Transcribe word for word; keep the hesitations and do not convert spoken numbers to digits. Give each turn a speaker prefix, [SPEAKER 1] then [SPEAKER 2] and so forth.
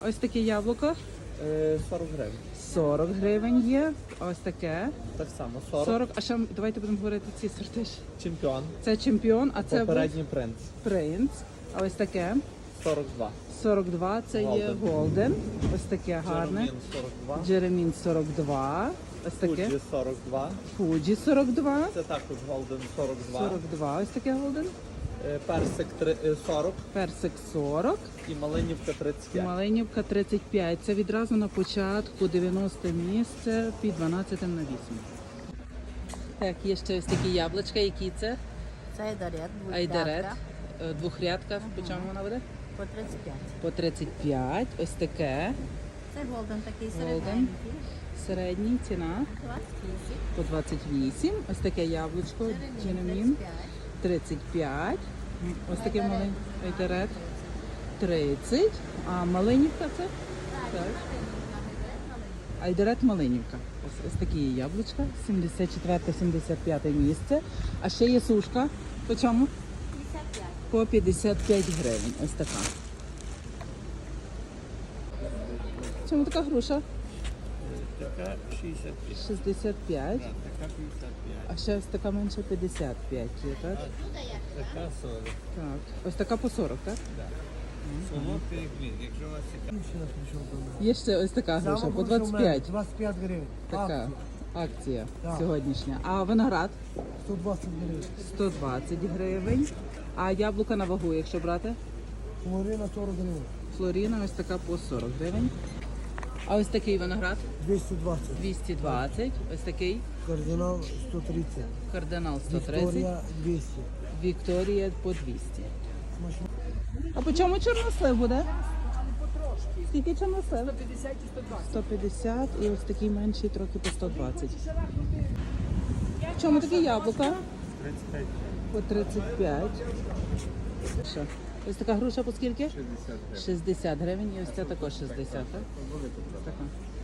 [SPEAKER 1] Ось таке яблуко.
[SPEAKER 2] Е, сорок гривень.
[SPEAKER 1] сорок гривень є. Ось таке.
[SPEAKER 2] Так само, сорок.
[SPEAKER 1] сорок. А ще давайте будемо говорити ці сорти. ж.
[SPEAKER 2] Чемпіон.
[SPEAKER 1] Це чемпіон, а це
[SPEAKER 2] Попередній принц.
[SPEAKER 1] принц. А ось таке.
[SPEAKER 2] сорок два.
[SPEAKER 1] сорок два, це є
[SPEAKER 2] Голден.
[SPEAKER 1] голден. Ось таке гарне.
[SPEAKER 2] Джеремін сорок два.
[SPEAKER 1] Джеремін сорок два. Ось таке.
[SPEAKER 2] Фуджі сорок два.
[SPEAKER 1] Фуджі сорок два.
[SPEAKER 2] Це також голден сорок два.
[SPEAKER 1] сорок два. Ось таке голден.
[SPEAKER 2] Е, персик три- е, сорок.
[SPEAKER 1] Персик сорок.
[SPEAKER 2] І малинівка тридцять п'ять.
[SPEAKER 1] Малинівка тридцять п'ять. Це відразу на початку дев'яносте місце під дванадцять на вісім. Так, є ще ось такі яблучка. Які це?
[SPEAKER 3] Це айдарет,
[SPEAKER 1] Айдарет. Е, Двохрядка. По чому вона буде?
[SPEAKER 3] по тридцять п'ять.
[SPEAKER 1] По тридцять п'ять. Ось таке.
[SPEAKER 3] Це голден такий
[SPEAKER 1] Голден.
[SPEAKER 3] середненький.
[SPEAKER 1] Середній ціна
[SPEAKER 3] двадцять вісім.
[SPEAKER 1] по двадцять вісім. Ось таке яблучко. Джеремін тридцять п'ять. Ось таке маленьке айдарет тридцять. А малинівка це? Так. Айдарет малинівка. Ось, ось такі є яблучка. сімдесят четверте сімдесят п'яте місце. А ще є сушка. По чому?
[SPEAKER 3] п'ятдесят п'ять.
[SPEAKER 1] По п'ятдесят п'ять гривень. Ось така. Чому така груша?
[SPEAKER 2] Така шістдесят п'ять.
[SPEAKER 1] шістдесят п'ять.
[SPEAKER 2] Така п'ятдесят п'ять.
[SPEAKER 1] А ще ось така менше п'ятдесят п'ять є, так?
[SPEAKER 2] Така сорок.
[SPEAKER 1] Так. Ось така по сорок, так?
[SPEAKER 2] Солодкий гмін. Якщо у вас цікаво.
[SPEAKER 1] Є ще ось така груша по двадцять п'ять.
[SPEAKER 4] двадцять п'ять гривень.
[SPEAKER 1] Така акція
[SPEAKER 4] Так.
[SPEAKER 1] сьогоднішня. А виноград
[SPEAKER 4] сто двадцять гривень.
[SPEAKER 1] сто двадцять гривень. А яблука на вагу, якщо брати?
[SPEAKER 4] Флорина сорок гривень.
[SPEAKER 1] Флоріна ось така по сорок гривень. А ось такий виноград
[SPEAKER 4] двісті двадцять.
[SPEAKER 1] двісті двадцять. Ось такий
[SPEAKER 4] Кардинал сто тридцять.
[SPEAKER 1] кардинал сто тридцять.
[SPEAKER 4] Вікторія двісті.
[SPEAKER 1] Вікторія по двісті.
[SPEAKER 4] Смачно.
[SPEAKER 1] А по чому чорнослив буде? Скільки чорнослив? сто п'ятдесят і сто двадцять. сто п'ятдесят і ось такий менший трохи по сто двадцять. В чому такі яблука?
[SPEAKER 2] тридцять п'ять.
[SPEAKER 1] По тридцять п'ять. Що? Ось така груша по скільки?
[SPEAKER 2] шістдесят гривень.
[SPEAKER 1] шістдесят гривень і ось ця також шістдесят, так? Така.